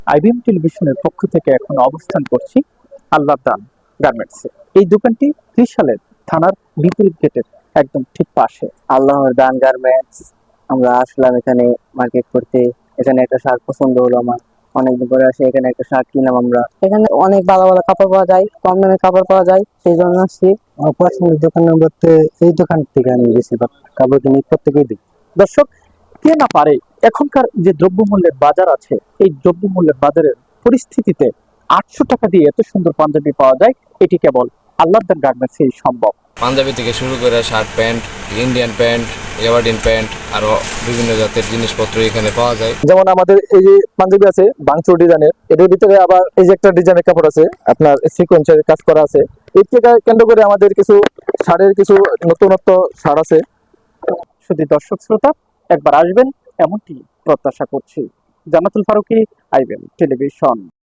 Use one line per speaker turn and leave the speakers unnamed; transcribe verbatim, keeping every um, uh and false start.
IBM টেলিভিশনের পক্ষ থেকে এখন অবস্থান করছি আল্লাহর দান গার্মেন্টসে। এই দোকানটি ত্রিশালের থানার বিপরীত গেটের একদম ঠিক পাশে।
আল্লাহর দান গার্মেন্টস, আমরা আসলাম এখানে মার্কেট করতে। এখানে একটা শার্ট পছন্দ হলো আমার, অনেকদিন পরে আসে এখানে একটা শার্ট কিনলাম আমরা। এখানে অনেক ভালো ভালো কাপড় পাওয়া যায়, কম দামে কাপড় পাওয়া যায়, সেই জন্য আসছি। আমার পছন্দের দোকানের মধ্যে এই দোকান থেকে আমি বেশিরভাগ কাপড় কিনি, প্রত্যেকেই দিই।
দর্শক, কে না পারে, এখনকার যে দ্রব্যমূল্যের বাজার আছে, এই দ্রব্যমূল্যের বাজারের পরিস্থিতিতে আটশো টাকা দিয়ে এত সুন্দর পাঞ্জাবি পাওয়া যায়, এটি কেবল আল্লাহর দান গার্মেন্টসেই সম্ভব।
পাঞ্জাবি থেকে শুরু করে শার্ট প্যান্ট, ইন্ডিয়ান প্যান্ট, এভারডিন প্যান্ট, আরো বিভিন্ন জাতের জিনিসপত্র এখানে পাওয়া যায়।
যেমন আমাদের এই যে পাঞ্জাবি আছে বাংচুর ডিজাইনের, এটার ভিতরে আবার এই যে একটা ডিজাইনের কাপড় আছে, আপনার সিকোয়েন্সের কাজ করা আছে। এই থেকে কেন্দ্র করে আমাদের কিছু শাড়ির কিছু নতুনত্ব শাড় আছে।
শুধু দর্শক শ্রোতা, একবার আসবেন এমনটি প্রত্যাশা করছি। Jannatul Faruki, IBM television.